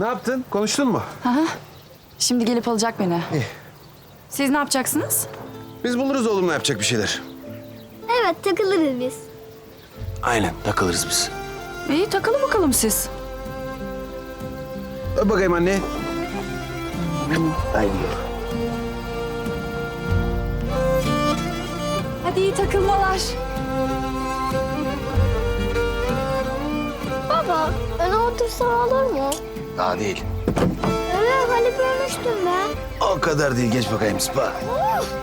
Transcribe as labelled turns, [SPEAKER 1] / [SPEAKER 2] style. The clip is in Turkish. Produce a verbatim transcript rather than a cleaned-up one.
[SPEAKER 1] Ne yaptın? Konuştun mu?
[SPEAKER 2] Şimdi gelip alacak beni.
[SPEAKER 1] İyi.
[SPEAKER 2] Siz ne yapacaksınız?
[SPEAKER 1] Biz buluruz oğlumla yapacak bir şeyler.
[SPEAKER 3] Evet, takılırız biz.
[SPEAKER 1] Aynen, takılırız biz.
[SPEAKER 2] İyi takılın bakalım siz.
[SPEAKER 1] Öp bakayım anne. Haydi.
[SPEAKER 2] Hadi iyi takılmalar.
[SPEAKER 3] Baba, öne otursam olur mu?
[SPEAKER 1] Daha değil.
[SPEAKER 3] Evet, hani görmüştüm ben.
[SPEAKER 1] O kadar değil. Geç bakayım Sıpa.
[SPEAKER 3] Of!